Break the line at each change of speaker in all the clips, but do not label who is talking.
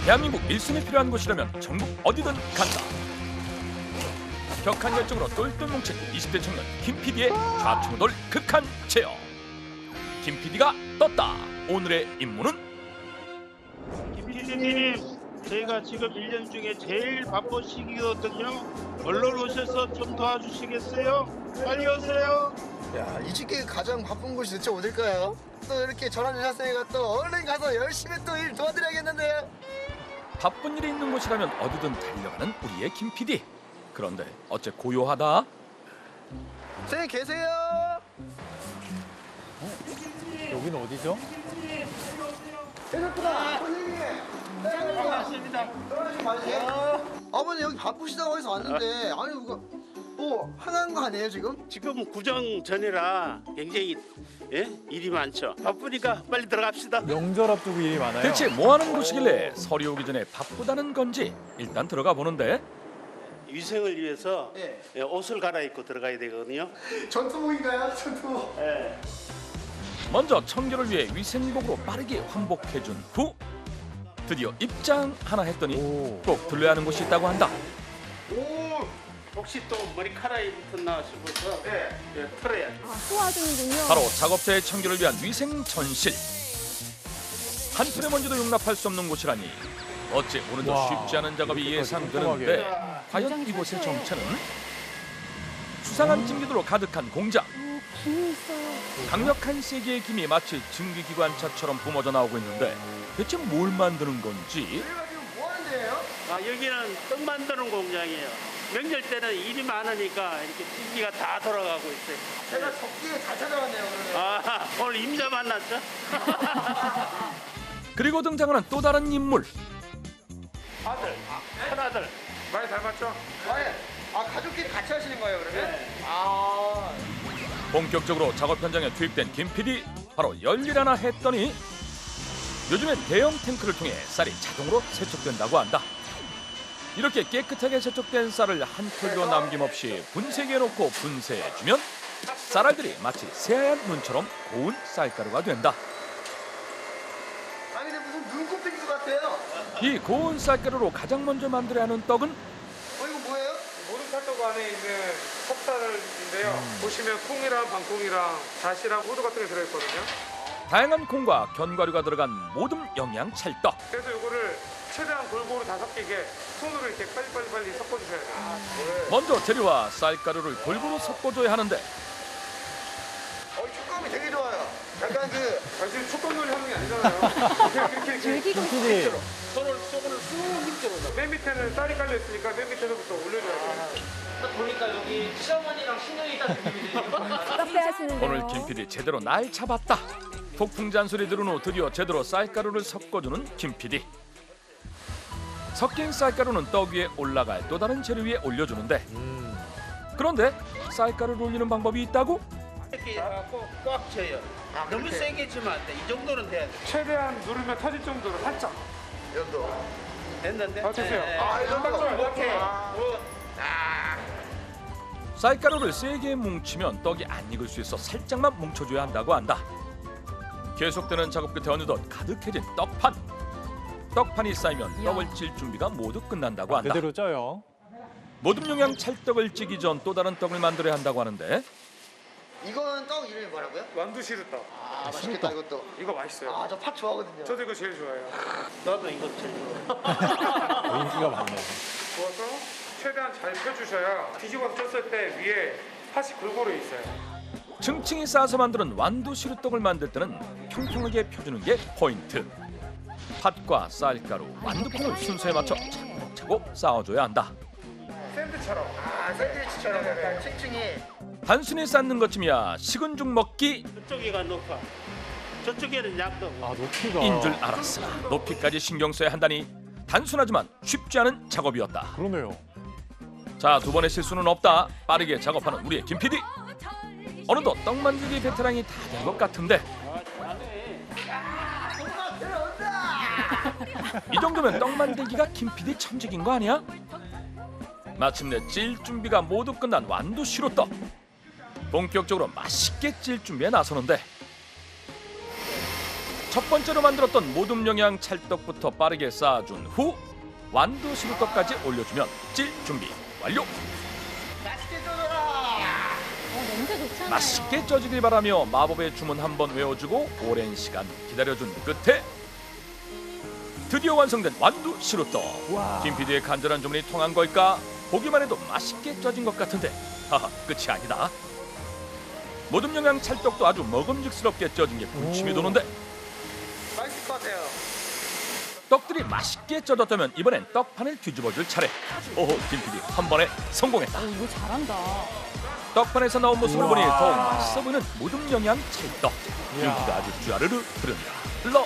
대한민국 일손이 필요한 곳이라면 전국 어디든 간다. 격한 열정으로 똘똘 뭉친 20대 청년 김 PD의 좌충우돌 극한 체험. 김 PD가 떴다. 오늘의 임무는
김 PD님, 저희가 지금 1년 중에 제일 바쁜 시기거든요. 얼른 오셔서 좀 도와주시겠어요? 빨리 오세요.
야, 이 시기에 가장 바쁜 곳이 대체 어딜까요? 또 이렇게 전화 주셨으니까 또 얼른 가서 열심히 또 일 도와드려야겠는데요.
바쁜 일이 있는 곳이라면 어디든 달려가는 우리의 김 PD. 그런데 어째 고요하다.
선생님 계세요?
여기는 어디죠?
계셨구나. 선생님.
반갑습니다.
떨어지지 마세요. 아버님 여기 바쁘시다고 해서 왔는데 아니 이거 뭐 화난 거 아니에요 지금?
지금 구정 전이라 굉장히 일이 많죠. 바쁘니까 빨리 들어갑시다.
명절 앞두고 일이 많아요.
대체 뭐 하는 곳이길래 설이 오기 전에 바쁘다는 건지 일단 들어가 보는데
위생을 위해서
네.
옷을 갈아입고 들어가야 되거든요.
전투복인가요? 전투복.
먼저 청결을 위해 위생복으로 빠르게 환복해준 후 드디어 입장 하나 했더니
오.
꼭 들러야 하는 곳이 있다고 한다.
오, 혹시 또 머리카락이 붙었나 싶어서 털어야죠.
소화중이군요.
바로 작업자의 청결을 위한 위생 전실. 한 푼의 먼지도 용납할 수 없는 곳이라니 어째 오늘도
와,
쉽지 않은 작업이
이렇게까지
예상되는데
꼼꼼하게.
과연 이곳의 정체는? 수상한 찜기들로 가득한 공장.
김이 있어요.
강력한 세계의 김이 마치 증기기관차처럼 뿜어져 나오고 있는데 대체 뭘 만드는 건지.
저희가 지금 뭐 하는 데예요?
여기는 떡 만드는 공장이에요. 명절 때는 일이 많으니까 이렇게 기기가 다 돌아가고 있어요.
제가 적기에 잘 찾아왔네요 오늘.
오늘 임자 만났죠?
그리고 등장하는 또 다른 인물.
아들, 큰아들.
많이 닮았죠?
가족끼리 같이 하시는 거예요 그러면?
본격적으로 작업 현장에 투입된 김 PD. 바로 열일 하나 했더니 요즘엔 대형 탱크를 통해 쌀이 자동으로 세척된다고 한다. 이렇게 깨끗하게 세척된 쌀을 한 톨도 남김없이 분쇄기에 놓고 분쇄해주면 쌀알들이 마치 새하얀 눈처럼 고운 쌀가루가 된다.
아니 근데 무슨 눈꽃빙수 같아요.
이 고운 쌀가루로 가장 먼저 만들어야 하는 떡은
이거 뭐예요?
모든 팥떡 안에 있는 컵쌀인데요. 보시면 콩이랑 방콩이랑 다시랑 호두 같은 게 들어있거든요.
다양한 콩과 견과류가 들어간 모듬 영양 찰떡.
그래서 이거를 최대한 골고루 다 섞이게 손으로 이렇게 빨리 섞어주셔야 돼요.
먼저 재료와 쌀가루를 골고루 섞어줘야 하는데
촉감이 되게 좋아요. 약간
지금 촉감놀이 하는 게 아니잖아요. 이렇게.
줄기가
PD.
손을 쑥 밑으로.
맨 밑에는 쌀이 깔려 있으니까 맨 밑에서부터 올려줘야 돼요.
보니까 여기 시어머니랑 신경이 있다는 느낌이 들어요.
카페 하시는데요.
오늘 김 PD 제대로 날 잡았다. 폭풍 잔소리 들은 후 드디어 제대로 쌀가루를 섞어주는 김 PD. 섞인 쌀가루는 떡 위에 올라갈 또 다른 재료 위에 올려주는데 그런데 쌀가루를 올리는 방법이 있다고?
이렇게 꽉 져요. 너무 세게 지면 안 돼. 이 정도는 돼야 돼.
최대한 누르면 터질 정도로 살짝.
연도.
됐는데?
됐어요.
이 정도.
이렇게.
쌀가루를 세게 뭉치면 떡이 안 익을 수 있어 살짝만 뭉쳐줘야 한다고 한다. 계속되는 작업 끝에 어느덧 가득해진 떡판. 떡판이 쌓이면 떡을 찔 준비가 모두 끝난다고 한다.
그대로 쪄요.
모듬 영양 찰떡을 찌기 전 또 다른 떡을 만들어야 한다고 하는데
이건 떡 이름이 뭐라고요?
완두시루떡.
맛있겠다 이것도.
이거 맛있어요.
저 팥 좋아하거든요.
저도 이거 제일 좋아해요.
나도 이거 제일 좋아.
인기가 많네요.
부어서 최대한 잘 펴주셔야 뒤집어서 쪘을 때 위에 팥이 골고루 있어요.
층층이 쌓아서 만드는 완두시루떡을 만들 때는 평평하게 펴주는 게 포인트. 팥과 쌀가루, 완두콩을 순서에 맞춰 차곡차곡 쌓아줘야 한다.
샌드처럼.
샌드위치처럼 약간 층층이.
단순히 쌓는 것쯤이야 식은 죽 먹기
저쪽이가 높아. 저쪽에는 약도.
높이가.
인 줄 알았으나 높이까지 신경 써야 한다니 단순하지만 쉽지 않은 작업이었다.
그러네요.
자, 두 번의 실수는 없다. 빠르게 작업하는 우리의 김 PD. 어느덧 떡 만들기 베테랑이 다 된 것 같은데 이 정도면 떡 만들기가 김 PD 천직인 거 아니야? 마침내 찔 준비가 모두 끝난 완두 시루떡. 본격적으로 맛있게 찔 준비에 나서는데 첫 번째로 만들었던 모둠 영양 찰떡부터 빠르게 쌓아준 후 완두 시루떡까지 올려주면 찔 준비 완료.
냄새 좋잖아요.
맛있게 쪄주길 바라며 마법의 주문 한번 외워주고 오랜 시간 기다려준 끝에 드디어 완성된 완두 시루떡.
와.
김 PD의 간절한 주문이 통한 걸까? 보기만 해도 맛있게 쪄진 것 같은데 하하, 끝이 아니다. 모둠 영양 찰떡도 아주 먹음직스럽게 쪄진 게 군침이
오.
도는데
맛있을 것 같아요.
떡들이 맛있게 쪄졌다면 이번엔 떡판을 뒤집어줄 차례. 오호, 김 PD 한 번에 성공했다.
이거 잘한다.
떡판에서 나온 모습을 보니
우와.
더욱 맛있어 보이는 모둠 영양 찰떡.
이야.
윤기가 아주 쭈아르르 흐릅니다. 흘러.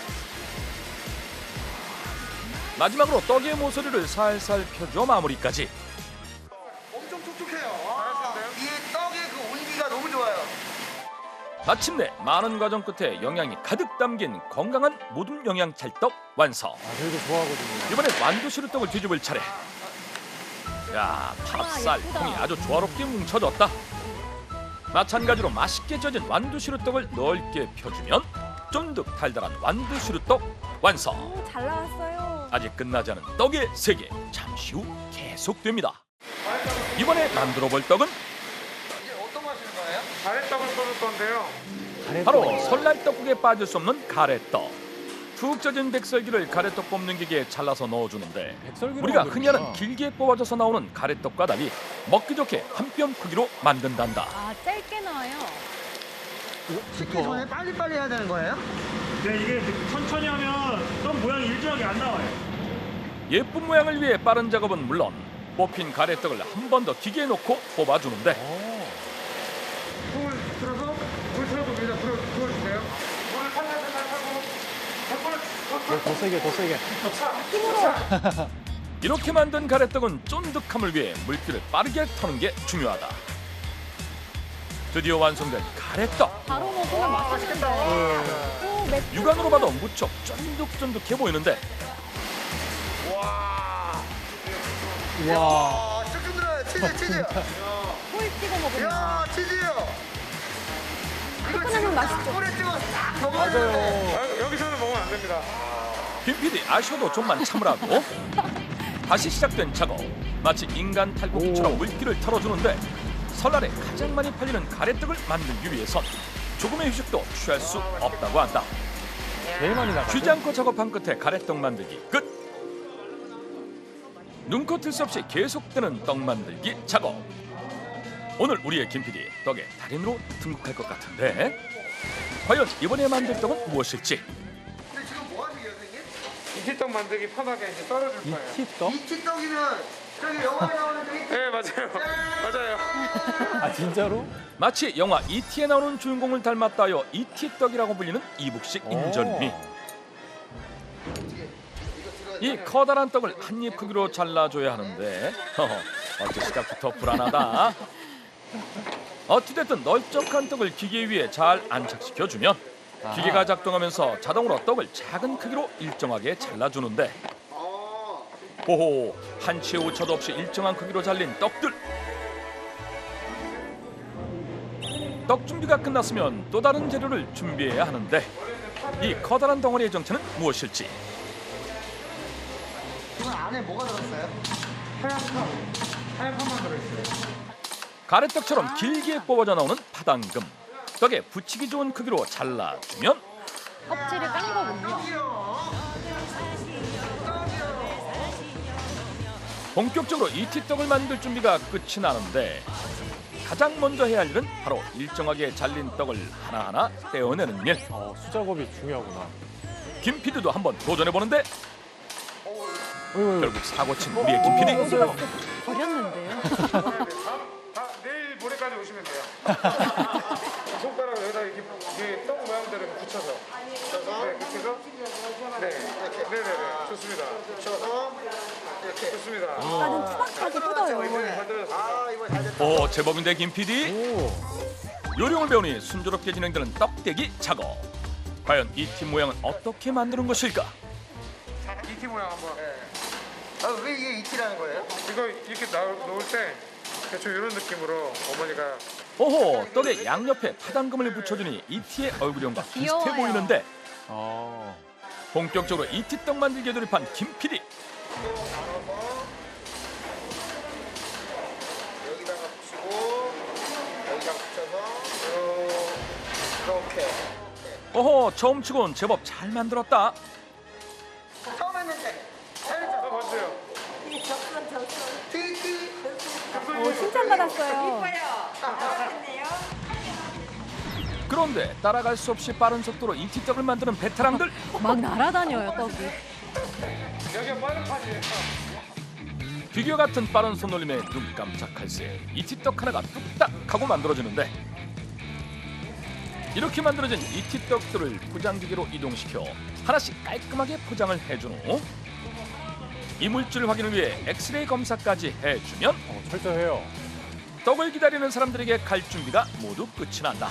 마지막으로 떡의 모서리를 살살 펴줘 마무리까지.
엄청 촉촉해요. 이 떡의 그 온기가 너무 좋아요.
마침내 많은 과정 끝에 영양이 가득 담긴 건강한 모둠 영양 찰떡 완성.
아, 저희도 좋아하거든요.
이번엔 완두 시루떡을 뒤집을 차례. 야, 팝쌀
예쁘다.
콩이 아주 조화롭게 뭉쳐졌다. 마찬가지로 맛있게 쪄진 완두 시루떡을 넓게 펴주면 쫀득 달달한 완두 시루떡 완성.
오, 잘 나왔어요.
아직 끝나지 않은 떡의 세계 잠시 후 계속됩니다. 이번에 만들어 볼 떡은
이제 어떤 거 하시는 거예요?
가래떡을 끓일 건데요.
바로 설날 떡국에 빠질 수 없는 가래떡. 푹 쪄진 백설기를 가래떡 뽑는 기계에 잘라서 넣어주는데
백설기로
우리가
만드는구나.
흔히 하는 길게 뽑아져서 나오는 가래떡과 달리 먹기 좋게 한 뼘 크기로 만든단다.
아, 짧게 나와요.
식기 전에 빨리빨리 해야 되는 거예요?
네, 이게 천천히 하면 떡 모양이 일정하게 안 나와요.
예쁜 모양을 위해 빠른 작업은 물론 뽑힌 가래떡을 한 번 더 기계에 넣고 뽑아주는데
오.
불 틀어서 물 틀어봅니다. 불을 부어주세요. 물을 살살 타고
더 세게, 더 세게.
이렇게 만든 가래떡은 쫀득함을 위해 물기를 빠르게 터는 게 중요하다. 드디어 완성된 가래떡.
바로 먹으면 맛있는데. 오, 맵.
육안으로 봐도 무척 쫀득쫀득해 보이는데
와.
아, 조금 들어요. 치즈.
꿀 찍어 먹으면.
이야, 치즈요. 이거
섞어내면 맛있죠.
꿀에 찍어서 딱 먹어야 되는데.
여기서는 먹으면 안 됩니다.
김 PD 아쉬워도 좀만 참으라고. 다시 시작된 작업. 마치 인간 탈곡기처럼
오.
물기를 털어주는데 설날에 가장 많이 팔리는 가래떡을 만들기 위해선 조금의 휴식도 취할 수 없다고 한다.
제일 많이 나가죠.
쉬지 않고 작업한 끝에 가래떡 만들기 끝. 눈코 뜰 수 없이 계속되는 떡 만들기 작업. 오늘 우리의 김 PD 떡의 달인으로 등극할 것 같은데 과연 이번에 만들 떡은 무엇일지.
근데 지금 뭐 하시게요, 선생님?
이티떡 만들기 편하게 이제 썰어줄 거예요.
이티떡?
이치떡이면 저기 영화에 나오는 저기
네, 맞아요. 맞아요.
아, 진짜로?
마치 영화 E.T.에 나오는 주인공을 닮았다여 E.T. 떡이라고 불리는 이북식 인절미. 이 커다란 떡을 한 입 크기로 잘라줘야 하는데 어째 시작부터 불안하다. 어찌됐든 널쩍한 떡을 기계 위에 잘 안착시켜주면 기계가 작동하면서 자동으로 떡을 작은 크기로 일정하게 잘라주는데 호호, 한치의 오차도 없이 일정한 크기로 잘린 떡들. 떡 준비가 끝났으면 또 다른 재료를 준비해야 하는데 이 커다란 덩어리의 정체는 무엇일지.
이건 안에 뭐가 들었어요?
하얀 판만 들어있어요.
가래떡처럼 길게 뽑아져 나오는 파당금. 떡에 붙이기 좋은 크기로 잘라주면
껍질을 깐 거군요.
본격적으로 이티떡을 만들 준비가 끝이 나는데 가장 먼저 해야 할 일은 바로 일정하게 잘린 떡을 하나하나 떼어내는 일.
수작업이 중요하구나.
김 PD도 한번 도전해보는데
어이구,
결국 사고친 우리의 김 PD.
버렸는데요.
내일 모레까지 오시면 돼요. 손가락을 여기다 이렇게 떡 모양대로 이렇게 붙여서. 네, 이렇게 해서. 네. 네네네. 좋습니다.
붙여서 이렇게.
좋습니다.
약간은 투박하게 뜯어요.
잘 들어졌습니다.
아, 이거 잘 됐다.
오, 제법인데 김 PD.
오.
요령을 배우니 순조롭게 진행되는 떡대기 작업. 과연 이 팀 모양은 어떻게 만드는 것일까?
이티 모양 한번.
아, 왜 이게 이치라는 거예요?
이거 이렇게 놓을 때 대충 이런 느낌으로 어머니가
오호, 떡의 양옆에 파당금을 붙여주니 이티의 얼굴형과 비슷해
귀여워요.
보이는데 본격적으로 이티떡 만들기에 돌입한 김 PD.
나눠서 여기다가 붙이고 여기다가 붙여서 이렇게.
어허, 처음 치곤 제법 잘 만들었다.
처음 했는데 잘했죠?
맞아요.
티티.
칭찬받았어요.
그런데 따라갈 수 없이 빠른 속도로 이티떡을 만드는 베테랑들.
막 날아다녀요, 떡이.
여기가 빠른 판이에요.
비교 같은 빠른 손놀림에 눈 깜짝할 새 이티떡 하나가 뚝딱 하고 만들어지는데, 이렇게 만들어진 이티떡들을 포장기계로 이동시켜 하나씩 깔끔하게 포장을 해준 후 이물질 확인을 위해 엑스레이 검사까지 해주면
철저해요.
떡을 기다리는 사람들에게 갈 준비가 모두 끝이 난다.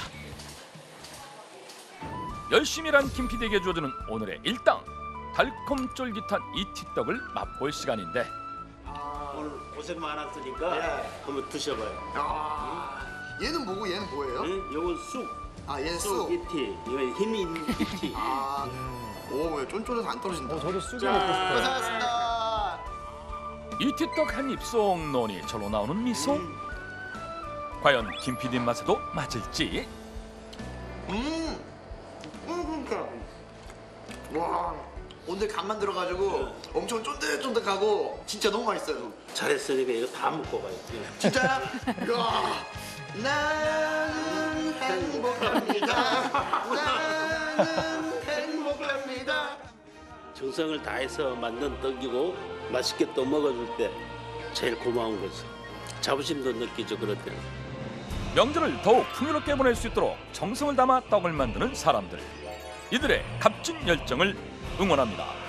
열심히 일한 김 PD에게 주어지는 오늘의 일당, 달콤 쫄깃한 이티떡을 맛볼 시간인데,
오늘 고생 많았으니까 한번 드셔봐요.
얘는 뭐고 얘는 뭐예요?
요건 쑥.
얘는
쑥
쑥.
이티. 이건 힘 있는 이티.
오, 쫀쫀해서 안 떨어진다.
저도 쑥이 먹고 싶어요.
고생하셨습니다.
이티떡 한 입 쏙 넣으니 절로 나오는 미소. 과연 김 PD 맛에도 맞을지.
그러니까. 와, 오늘 간만 들어가지고 엄청 쫀득쫀득하고 진짜 너무 맛있어요.
잘했으니까 이거 다 먹고 가요.
진짜요? 야, 나는 행복합니다. 나는 행복합니다.
정성을 다해서 만든 떡이고 맛있게 또 먹어줄 때 제일 고마운 거지. 자부심도 느끼죠, 그럴 때는.
명절을 더욱 풍요롭게 보낼 수 있도록 정성을 담아 떡을 만드는 사람들. 이들의 값진 열정을 응원합니다.